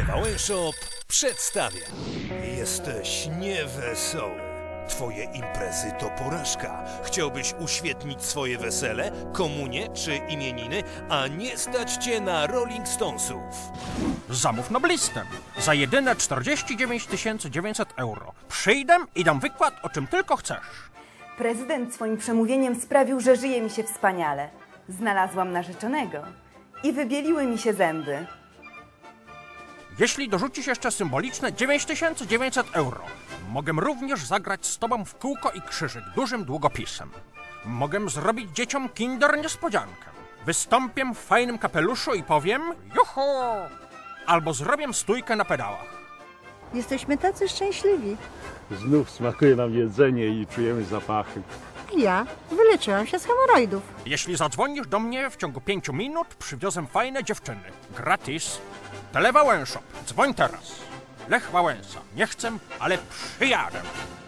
Wałęshop przedstawia. Jesteś niewesoły. Twoje imprezy to porażka. Chciałbyś uświetnić swoje wesele, komunię czy imieniny, a nie stać cię na Rolling Stonesów. Zamów noblistem. Za jedyne 49 900 euro. Przyjdę i dam wykład, o czym tylko chcesz. Prezydent swoim przemówieniem sprawił, że żyje mi się wspaniale. Znalazłam narzeczonego i wybieliły mi się zęby. Jeśli dorzucisz jeszcze symboliczne 9900 euro, mogę również zagrać z tobą w kółko i krzyżyk dużym długopisem. Mogę zrobić dzieciom kinder niespodziankę. Wystąpię w fajnym kapeluszu i powiem juhu! Albo zrobię stójkę na pedałach. Jesteśmy tacy szczęśliwi. Znów smakuje nam jedzenie i czujemy zapachy. Ja wyleczyłam się z hemoroidów. Jeśli zadzwonisz do mnie w ciągu 5 minut, przywiozę fajne dziewczyny. Gratis. Tele Wałęshop. Dzwoń teraz. Lech Wałęsa. Nie chcę, ale przyjadę.